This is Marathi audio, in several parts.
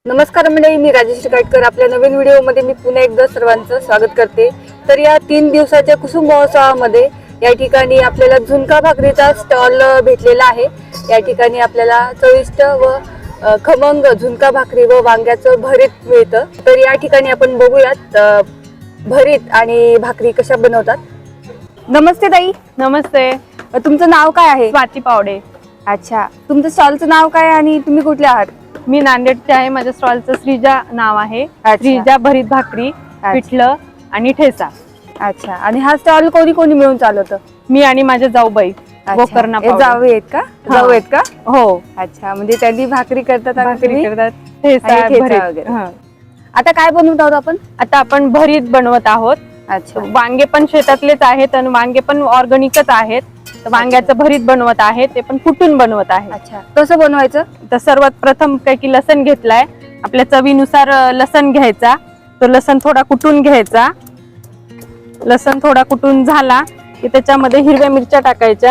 नमस्कार मंडळी, मी राजेश्री काटकर. आपल्या नवीन व्हिडिओमध्ये मी पुन्हा एकदा सर्वांचं स्वागत करते. तर या 3 दिवसाच्या कुसुम महोत्सवामध्ये या ठिकाणी आपल्याला झुणका भाकरीचा स्टॉल भेटलेला आहे. या ठिकाणी आपल्याला चविष्ट व खमंग झुणका भाकरी व वांग्याचं भरीत मिळतं. तर या ठिकाणी आपण बघूयात भरीत आणि भाकरी कशा बनवतात. नमस्ते ताई. नमस्ते. तुमचं नाव काय आहे? स्वाती पावडे. अच्छा, तुमचं स्टॉलचं नाव काय आणि तुम्ही कुठले आहात? मी नांदेडचे आहे. माझ्या स्टॉलचं श्रीजा नाव आहे. श्रीजा भरीत भाकरी, पिठलं आणि ठेचा. अच्छा, आणि हा स्टॉल कोणी कोणी मिळून चालवतं? मी आणि माझे जाऊबाई गोकर्णा पावडे. जाऊ आहेत का? जाऊ आहेत का? हो. अच्छा, म्हणजे त्यांनी भाकरी करतात, भाकरी करतात, ठेचा वगैरे. आता काय बनवत आहोत आपण? आता आपण भरीत बनवत आहोत. अच्छा, वांगे पण शेतातलेच आहेत आणि वांगे पण ऑर्गॅनिकच आहेत. वांग्याचं भरीत बनवत आहे, ते पण कुटून बनवत आहे. अच्छा, कसं बनवायचं? तर सर्वात प्रथम काय की लसण घेतलाय. आपल्या चवीनुसार लसण घ्यायचा. तो लसण थोडा कुटून घ्यायचा. लसण थोडा कुटून झाला की त्याच्यामध्ये हिरव्या मिरच्या टाकायच्या.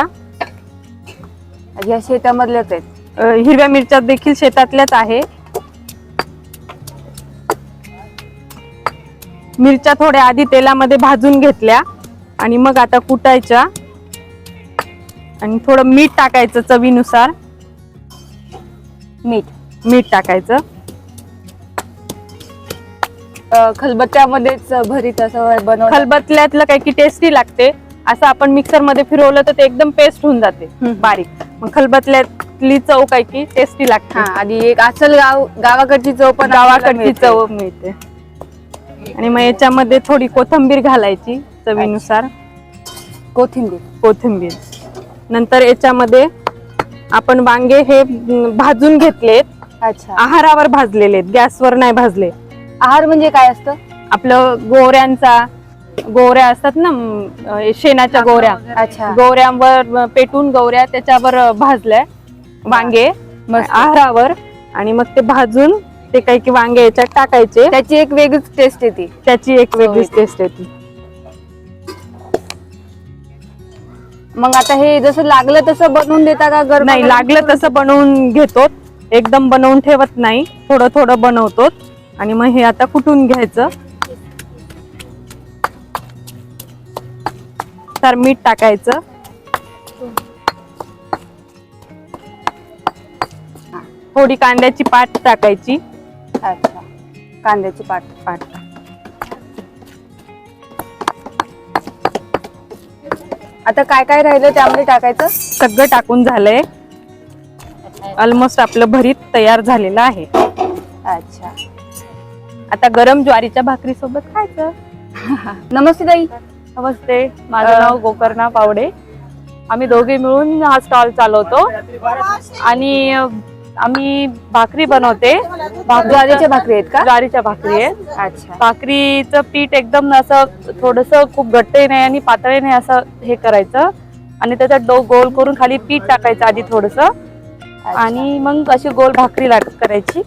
या शेतामधल्याच आहेत? हिरव्या मिरच्या देखील शेतातल्याच आहे. मिरच्या थोड्या आधी तेलामध्ये भाजून घेतल्या आणि मग आता कुटायच्या. आणि थोडं मीठ टाकायचं चवीनुसार. मीठ टाकायचं. खलबत्त्यामध्येच भरीत असं बनव. खलबत्त्यातलं काही की टेस्टी लागते. असं आपण मिक्सर मध्ये फिरवलं तर ते एकदम पेस्ट होऊन जाते बारीक. मग खलबत्त्यातली चव काही की टेस्टी लागते. आणि एक असल गावाकडची चव पण गावाकडची चव मिळते. आणि मग याच्यामध्ये थोडी कोथिंबीर घालायची चवीनुसार. कोथिंबीर. नंतर याच्यामध्ये आपण वांगे हे भाजून घेतलेत. अच्छा, आहारावर भाजलेले, गॅसवर नाही भाजले. आहार म्हणजे काय असतं? आपलं गोवऱ्या असतात ना, शेणाच्या गोवऱ्या. अच्छा, गोवऱ्यांवर पेटून गौऱ्या त्याच्यावर भाजल्या वांगे आहारावर. आणि मग ते भाजून ते काही की वांगे याच्यात टाकायचे. त्याची एक वेगळीच टेस्ट येते. मग आता हे जसं लागलं तसं बनवून देता का? गरम नाही, लागलं तसं बनवून घेतो. एकदम बनवून ठेवत नाही, थोडं थोडं बनवतो. आणि मग हे आता कुटून घ्यायचं. तर मीठ टाकायचं. थोडी कांद्याची पात टाकायची. अच्छा, कांद्याची पात. आता काय काय राहिलं त्यामध्ये टाकायचं? सगळं टाकून झालंय. ऑलमोस्ट आपलं भरीत तयार झालेलं आहे. अच्छा, आता गरम ज्वारीच्या भाकरी सोबत खायचं. नमस्ते ताई. नमस्ते. माझं नाव गोकर्णा पावडे. आम्ही दोघे मिळून हा स्टॉल चालवतो आणि आम्ही भाकरी बनवते. ज्वारीच्या भाकरी आहेत का? ज्वारीच्या भाकरी आहेत. अच्छा, भाकरीचं पीठ एकदम असं थोडंसं खूप घट्टही नाही आणि पातळही नाही असं हे करायचं. आणि त्याच्यात गोल करून खाली पीठ टाकायचं आधी थोडंसं. आणि मग अशी गोल भाकरी करायची.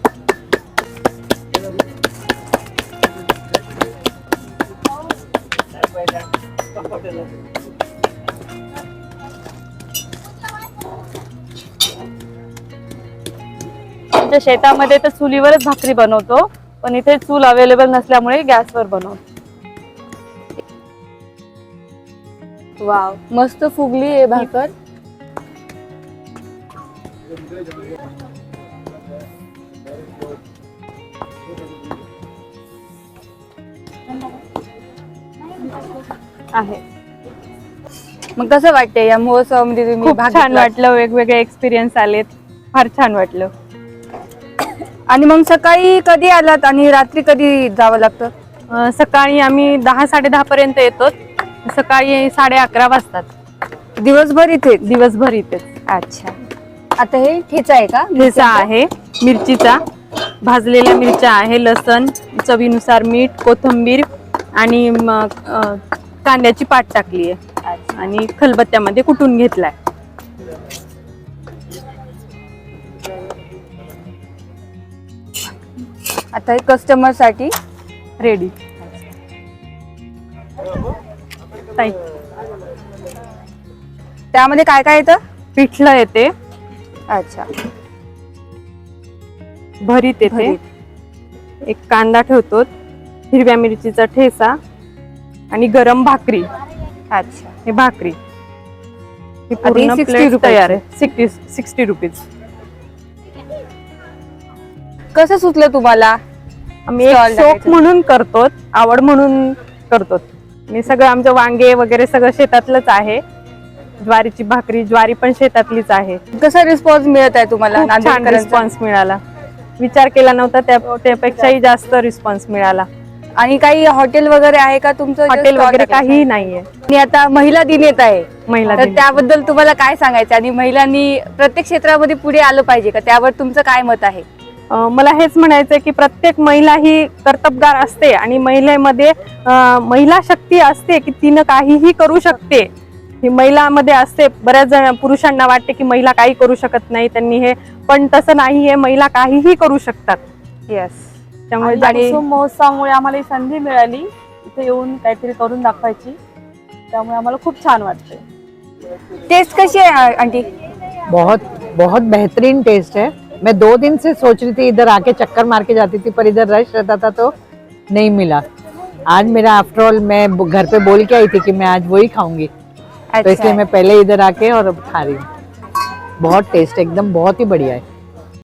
आमच्या शेतामध्ये तर चुलीवरच भाकरी बनवतो, पण इथे चूल अवेलेबल नसल्यामुळे गॅसवर बनवतो. वाव, मस्त फुगली आहे भाकर. आहे. मग कसं वाटतंय या महोत्सवामध्ये तुम्ही? खूप छान वाटलं. वेगवेगळे एक्सपिरियन्स आलेत. फार छान वाटलं. आणि मग सकाळी कधी आलात आणि रात्री कधी जावं लागतं? सकाळी आम्ही 10-10:30 पर्यंत येतो. सकाळी 11:30 वाजतात. दिवसभर इथेच. अच्छा, आता हे ठेचा आहे का? ठेचा आहे मिरचीचा. भाजलेल्या मिरच्या आहे, लसण, चवीनुसार मीठ, कोथिंबीर आणि कांद्याची पात टाकली आहे. आणि खलबत्त्यामध्ये कुटून घेतलाय. आता हे कस्टमर साठी रेडी. त्यामध्ये काय काय येतं? पिठलं येते. अच्छा, भरीत येते. एक कांदा ठेवतो, हिरव्या मिरचीचा ठेचा आणि गरम भाकरी. अच्छा. हे भाकरी ही आधी पूर्ण 60 प्लेट रुपयाची. तयार आहे. 60 रुपीज. कसं सुचलं तुम्हाला? आम्ही एक Stall शौक टाकायचं. म्हणून करतो, आवड म्हणून करतो. आणि सगळं आमचं वांगे वगैरे सगळं शेतातलंच आहे. ज्वारीची भाकरी, ज्वारी पण शेतातलीच आहे. कसा रिस्पॉन्स मिळत आहे तुम्हाला खूप छान नांदेडकरांचा? रिस्पॉन्स मिळाला. विचार केला नव्हता त्यापेक्षाही जास्त रिस्पॉन्स मिळाला. आणि काही हॉटेल वगैरे आहे का तुमचं? हॉटेल वगैरे काहीही नाहीये. आणि आता महिला दिन येत आहे, महिला तर दिन. त्याबद्दल तुम्हाला काय सांगायचं? आणि महिलांनी प्रत्येक क्षेत्रामध्ये पुढे आलं पाहिजे का? त्यावर तुमचं काय मत आहे? मला हेच म्हणायचंय की प्रत्येक महिला ही कर्तबगार असते आणि महिलेमध्ये महिला शक्ती असते की तिनं काहीही करू शकते. ही महिलामध्ये असते. बऱ्याच जण पुरुषांना वाटते की महिला काही करू शकत नाही, त्यांनी हे, पण तसं नाहीये. महिला काहीही करू शकतात. येस. त्यामुळे आणि कुसुम महोत्सवामुळे आम्हाला ही संधी मिळाली इथे येऊन काहीतरी करून दाखवायची, त्यामुळे आम्हाला खूप छान वाटतंय. टेस्ट कशी आहे आंटी? बहुत बहुत बेहतरीन टेस्ट है। मैं 2 दिन से सोच रही थी इधर आके चक्कर मार के जाती थी, पर इधर रश रहता था तो नहीं मिला। आज मेरा आफ्टर ऑल मैं घर पे बोल के आई थी कि मैं आज वही खाऊंगी, तो इसलिए मैं पहले इधर आके और अब खा रही हूँ। बहुत टेस्ट, एकदम बहुत ही बढ़िया है।